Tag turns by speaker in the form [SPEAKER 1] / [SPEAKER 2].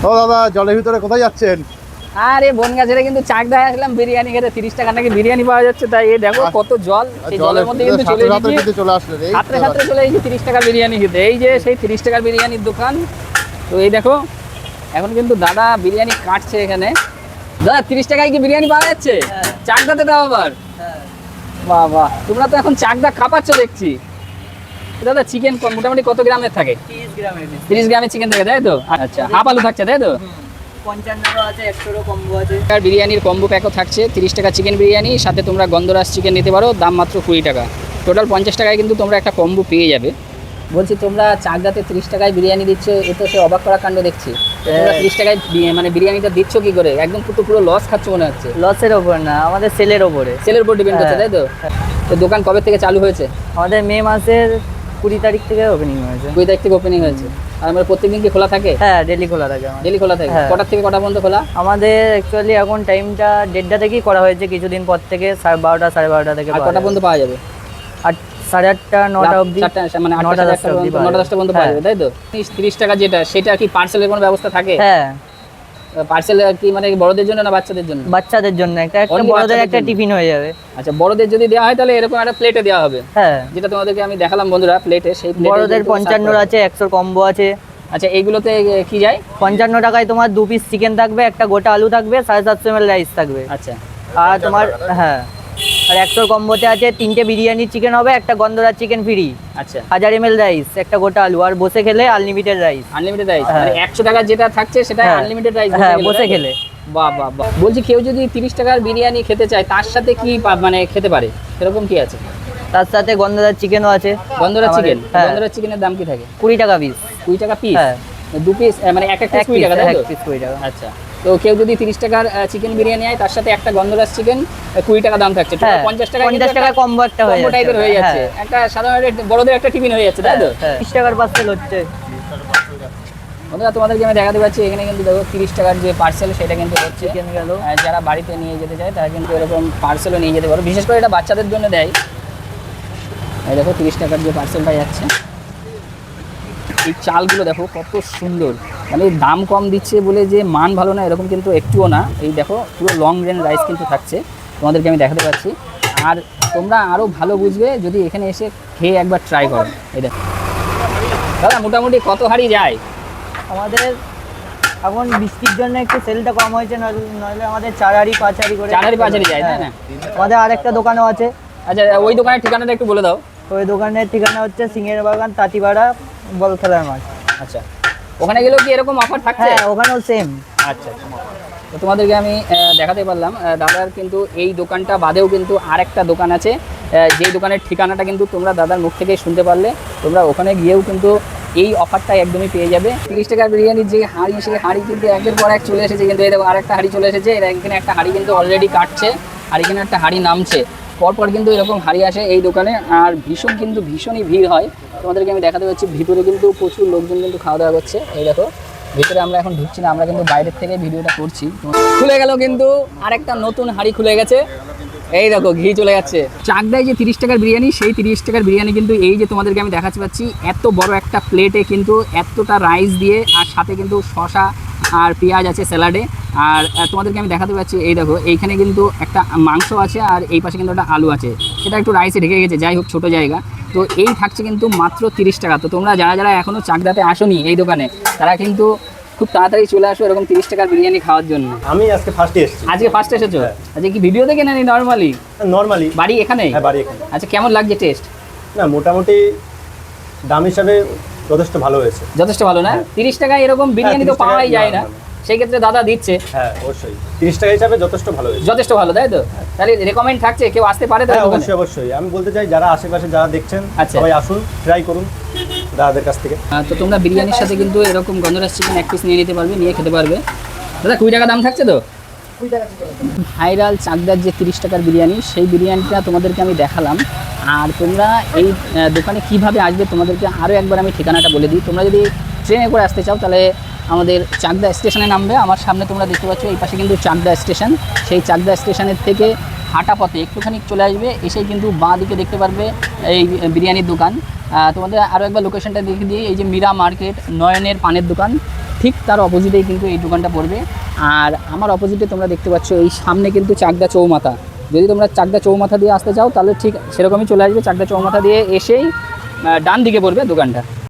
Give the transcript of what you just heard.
[SPEAKER 1] ও দাদা, জলের ভিতরে কোথায় যাচ্ছেন?
[SPEAKER 2] আরে বনগা ছেড়ে কিন্তু চাকদায় আসলাম বিরিয়ানি খেতে। 30 টাকা নাকি বিরিয়ানি পাওয়া যাচ্ছে, তাই এই দেখো কত জল। সেই জলের মধ্যে কিন্তু চলে এসেছি,
[SPEAKER 1] চলে আসলেন
[SPEAKER 2] সাথে সাথে চলে এসেছি 30 টাকার বিরিয়ানি খেতে। এই যে সেই 30 টাকার বিরিয়ানির দোকান। তো এই দেখো এখন কিন্তু দাদা বিরিয়ানি কাটছে এখানে। দাদা 30 টাকায় কি বিরিয়ানি পাওয়া যাচ্ছে? চাকদাতে দাও আবার? বাহ বাহ, তোমরা তো এখন চাকদা কাঁপাচ্ছ দেখছি। দাদা চিকেন মোটামুটি কত গ্রামের থাকে? 30 গ্রামের চিকেন থাকে, তাই তো? আচ্ছা, হাফ আলু থাকছে, তাই তো?
[SPEAKER 3] 55 আছে, 100 কম্বো আছে।
[SPEAKER 2] বিরিয়ানির কম্বো প্যাকও থাকছে। 30 টাকা চিকেন বিরিয়ানি, সাথে তোমরা গন্ধরাজ চিকেন নিতে পারো, দাম মাত্র 20 টাকা। টোটাল 50 টাকায় কিন্তু তোমরা একটা কম্বো পেয়ে যাবে। বলছি তোমরা চাকদাতে 30 টাকায় বিরিয়ানি দিচ্ছ, এ তো সে অবাক করা কাণ্ড দেখছি। তোমরা 30 টাকায় মানে বিরিয়ানিটা দিচ্ছ কি করে? একদম পুরো লস খাচ্ছ মনে হচ্ছে।
[SPEAKER 3] লসের ওপর না, আমাদের সেলের ওপরে।
[SPEAKER 2] সেলের উপর ডিপেন্ড করছে, তাই তো? তো দোকান কবে থেকে চালু হয়েছে?
[SPEAKER 3] আমাদের মে মাসের 20 তারিখ থেকে ওপেনিং হয়েছে।
[SPEAKER 2] 20 তারিখ থেকে ওপেনিং হয়েছে। আর আমরা প্রত্যেকদিন কি খোলা থাকে?
[SPEAKER 3] হ্যাঁ, ডেলি খোলা থাকে আমাদের।
[SPEAKER 2] ডেলি খোলা থাকে।
[SPEAKER 3] হ্যাঁ।
[SPEAKER 2] কটা থেকে কটা পর্যন্ত খোলা?
[SPEAKER 3] আমাদের অ্যাকচুয়ালি এখন টাইমটা 1:30টা থেকেই করা হয়েছে, কিছুদিন পর থেকে 12:30 12:30 থেকে।
[SPEAKER 2] আর কটা পর্যন্ত পাওয়া যাবে?
[SPEAKER 3] 8:30 9টা অবধি।
[SPEAKER 2] মানে 8টা 10টা পর্যন্ত পাওয়া যাবে, তাই তো? 30 টাকা যেটা, সেটা কি পার্সেলের কোনো ব্যবস্থা থাকে?
[SPEAKER 3] হ্যাঁ,
[SPEAKER 2] পার্সেল কি মানে বড়দের জন্য না বাচ্চাদের জন্য?
[SPEAKER 3] বাচ্চাদের জন্য একটা
[SPEAKER 2] Only
[SPEAKER 3] বড়দের
[SPEAKER 2] বাচ্চাদের
[SPEAKER 3] একটা
[SPEAKER 2] জন্য?
[SPEAKER 3] টিফিন হয়ে যাবে।
[SPEAKER 2] আচ্ছা, বড়দের যদি দেওয়া হয় তাহলে এরকম একটা প্লেটে দেওয়া হবে,
[SPEAKER 3] হ্যাঁ,
[SPEAKER 2] যেটা তোমাদেরকে আমি দেখালাম বন্ধুরা, প্লেটে। সেই প্লেটে
[SPEAKER 3] বড়দের 55 আছে, 100 কম্বো আছে।
[SPEAKER 2] আচ্ছা, এইগুলোতে কি যায়?
[SPEAKER 3] 55 টাকায় তোমার 2 পিস চিকেন থাকবে, একটা গোটা আলু থাকবে, 750 ml রাইস থাকবে।
[SPEAKER 2] আচ্ছা,
[SPEAKER 3] আর তোমার হ্যাঁ, আর 100 কম্বোতে আছে 3টে বিরিয়ানি চিকেন হবে, একটা গন্ধরাজ চিকেন ফ্রি,
[SPEAKER 2] আচ্ছা,
[SPEAKER 3] 1000 ml রাইস, একটা গোটা আলু, আর বসে খেলে আনলিমিটেড রাইস।
[SPEAKER 2] Unlimited rice.
[SPEAKER 3] হ্যাঁ।
[SPEAKER 2] মানে 100 টাকা যেটা থাকছে সেটা
[SPEAKER 3] হ্যাঁ।
[SPEAKER 2] Unlimited rice.
[SPEAKER 3] হ্যাঁ, বসে খেলে।
[SPEAKER 2] বাহ বাহ বাহ। বলছি কেউ যদি 30 টাকার বিরিয়ানি খেতে চায়, তার সাথে কি মানে খেতে পারে? সেরকম কি আছে?
[SPEAKER 3] তার সাথে গন্ধরাজ চিকেনও আছে।
[SPEAKER 2] গন্ধরাজ চিকেন?
[SPEAKER 3] হ্যাঁ।
[SPEAKER 2] গন্ধরাজ চিকেনের দাম কি থাকে?
[SPEAKER 3] 20 টাকা পিস।
[SPEAKER 2] 20 টাকা পিস?
[SPEAKER 3] হ্যাঁ,
[SPEAKER 2] 2 পিস মানে এক পিস 20 টাকা, তাই তো?
[SPEAKER 3] এক পিস 20 টাকা।
[SPEAKER 2] আচ্ছা, তো কেউ যদি 30 টাকার চিকেন বিরিয়ানি হয়, তার সাথে একটা গন্ধরাজ চিকেন 20 টাকা দাম থাকছে।
[SPEAKER 3] হ্যাঁ,
[SPEAKER 2] 50 টাকা
[SPEAKER 3] 50 টাকা কম্বো একটা হয়ে
[SPEAKER 2] কম্বো
[SPEAKER 3] যাচ্ছে।
[SPEAKER 2] টাইপের হয়ে যাচ্ছে।
[SPEAKER 3] হ্যাঁ।
[SPEAKER 2] একটা সাধারণ বড়দের একটা টিফিন হয়ে যাচ্ছে, তাই তো?
[SPEAKER 3] 30 টাকার পার্সেল হচ্ছে।
[SPEAKER 2] বন্ধুরা তোমাদেরকে আমি দেখাতে পাচ্ছি, এখানে কিন্তু দেখো 30 টাকার যে পার্সেল সেটা কিন্তু হচ্ছে।
[SPEAKER 3] চিকেন গেল।
[SPEAKER 2] যারা বাড়িতে নিয়ে যেতে চায় তারা কিন্তু এরকম পার্সেলও নিয়ে যেতে পারো। বিশেষ করে এটা বাচ্চাদের জন্য দেয়। এই দেখো 30 টাকার যে পার্সেলটা যাচ্ছে। এই চালগুলো দেখো কত সুন্দর, মানে দাম কম দিচ্ছে বলে যে মান ভালো না এরকম কিন্তু একটুও না। এই দেখো পুরো লং গ্রেন রাইস কিন্তু থাকছে, তোমাদেরকে আমি দেখাতে পাচ্ছি। আর তোমরা আরও ভালো বুঝবে যদি এখানে এসে খেয়ে একবার ট্রাই করো। এই দেখো দাদা, মোটামুটি কত হাঁড়ি যায়
[SPEAKER 3] আমাদের এখন বৃষ্টির জন্য একটু সেলটা কম হয়েছে, নইলে আমাদের 4 হাঁড়ি 5 হাঁড়ি করে।
[SPEAKER 2] 4 হাঁড়ি 5 হাঁড়ি যায়, তাই না?
[SPEAKER 3] আমাদের আরেকটা দোকানও আছে।
[SPEAKER 2] আচ্ছা, ওই দোকানের ঠিকানাটা একটু বলে দাও।
[SPEAKER 3] ওই দোকানের ঠিকানা হচ্ছে সিংহের বাগান, তাঁতিপাড়া, বল খেলার মাঠ।
[SPEAKER 2] আচ্ছা, ওখানে গেলেও কি এরকম অফার থাকছে?
[SPEAKER 3] হ্যাঁ, ওখানেও সেম।
[SPEAKER 2] আচ্ছা, তো তোমাদেরকে আমি দেখাতে পারলাম দাদার কিন্তু এই দোকানটা বাদেও কিন্তু আরেকটা দোকান আছে, যেই দোকানের ঠিকানাটা কিন্তু তোমরা দাদার মুখ থেকেই শুনতে পারলে। তোমরা ওখানে গিয়েও কিন্তু এই অফারটা একদমই পেয়ে যাবে। 30 টাকার বিরিয়ানির যে হাঁড়ি, সেই হাঁড়ি কিন্তু একের পর এক চলে এসেছে। কিন্তু এই দেখো আরেকটা হাঁড়ি চলে এসেছে। এখানে একটা হাঁড়ি কিন্তু অলরেডি কাটছে, আর এখানে একটা হাঁড়ি নামছে। পরপর কিন্তু এরকম হাঁড়ি আসে এই দোকানে, আর ভীষণই ভিড় হয়। তোমাদেরকে আমি দেখাতে পাচ্ছি, ভিতরে কিন্তু প্রচুর লোকজন কিন্তু খাওয়া দাওয়া করছে। এই দেখো ভিতরে আমরা এখন ঢুকছি না, আমরা কিন্তু বাইরের থেকে ভিডিওটা করছি। খুলে গেল কিন্তু আরেকটা নতুন হাঁড়ি খুলে গেছে। এই দেখো ঘি চলে যাচ্ছে। চাকদায় যে 30 টাকার বিরিয়ানি, সেই 30 টাকার বিরিয়ানি কিন্তু এই যে তোমাদেরকে আমি দেখাতে পাচ্ছি, এত বড় একটা প্লেটে কিন্তু এতটা রাইস দিয়ে, আর সাথে কিন্তু শসা আর পেঁয়াজ আছে স্যালাডে। আর তোমাদেরকে আমি দেখাতে পাচ্ছি, এই দেখো এইখানে কিন্তু একটা মাংস আছে, আর এই পাশে কিন্তু একটা আলু আছে। সেটা একটু রাইসে ঢেকে গেছে, যাই হোক ছোটো জায়গা। তো এই থাকছে কিন্তু মাত্র 30 টাকা। তো তোমরা যারা এখনও চাকদাতে আসোনি এই দোকানে, তারা কিন্তু খুব তাড়াতাড়ি চলে আসো এরকম 30 টাকার বিরিয়ানি খাওয়ার জন্য।
[SPEAKER 1] আমি আজকে ফার্স্টে এসেছি।
[SPEAKER 2] আজকে ফার্স্ট এসেছো? আজকে কি ভিডিও দেখে না নর্মালি?
[SPEAKER 1] নর্মালি।
[SPEAKER 2] বাড়ি এখানে?
[SPEAKER 1] হ্যাঁ, বাড়ি এখানে।
[SPEAKER 2] আচ্ছা, কেমন লাগছে টেস্ট?
[SPEAKER 1] না, মোটামুটি দাম হিসাবে যথেষ্ট ভালো হয়েছে।
[SPEAKER 2] যথেষ্ট ভালো না? 30 টাকায় এরকম বিরিয়ানি তো
[SPEAKER 1] 30 টাকা
[SPEAKER 2] পাওয়াই যায় না,
[SPEAKER 1] না।
[SPEAKER 2] সেই ক্ষেত্রে দাদা দিচ্ছে।
[SPEAKER 1] হ্যাঁ, অবশ্যই 30 টাকা হিসাবে যথেষ্ট ভালো হয়েছে।
[SPEAKER 2] যথেষ্ট ভালো, তাই তো? তাহলে রেকমেন্ড থাকছে, কেউ আসতে পারে তো
[SPEAKER 1] হ্যাঁ,
[SPEAKER 2] দোকানে?
[SPEAKER 1] অবশ্যই। আমি বলতে চাই যারা আশেপাশে যারা দেখছেন,
[SPEAKER 2] আচ্ছা।
[SPEAKER 1] সবাই আসুন, ট্রাই করুন দাদাদের কাছ থেকে।
[SPEAKER 2] তো তোমরা বিরিয়ানির সাথে কিন্তু এরকম গন্ধরাজ চিকেন 1 পিস নিয়ে নিতে পারবে, নিয়ে খেতে পারবে। দাদা 20 টাকা দাম থাকছে তো? ভাইরাল চাকদার যে 30 টাকার বিরিয়ানি, সেই বিরিয়ানিটা তোমাদেরকে আমি দেখালাম। আর তোমরা এই দোকানে কিভাবে আসবে তোমাদেরকে আরও একবার আমি ঠিকানাটা বলে দিই। তোমরা যদি ট্রেনে করে আসতে চাও তাহলে আমাদের চাকদা স্টেশনে নামবে। আমার সামনে তোমরা দেখতে পাচ্ছ এই পাশে কিন্তু চাকদা স্টেশন। সেই চাকদা স্টেশনের থেকে হাঁটা পথে একটুখানি চলে আসবে, এসেই কিন্তু বাঁ দিকে দেখতে পারবে এই বিরিয়ানির দোকান। তোমাদের আরও একবার লোকেশনটা দেখে দিয়ে, এই যে মীরা মার্কেট, নয়নের পানের দোকান, ঠিক তার অপোজিটেই কিন্তু এই দোকানটা পড়বে। আর আমার অপোজিটে তোমরা দেখতে পাচ্ছ এই সামনে কিন্তু চাকদা চৌমাথা। যদি তোমরা চাকদা চৌমাথা দিয়ে আসতে চাও তাহলে ঠিক সেরকমই চলে আসবে, চাকদা চৌমাথা দিয়ে এসেই ডান দিকে পড়বে দোকানটা।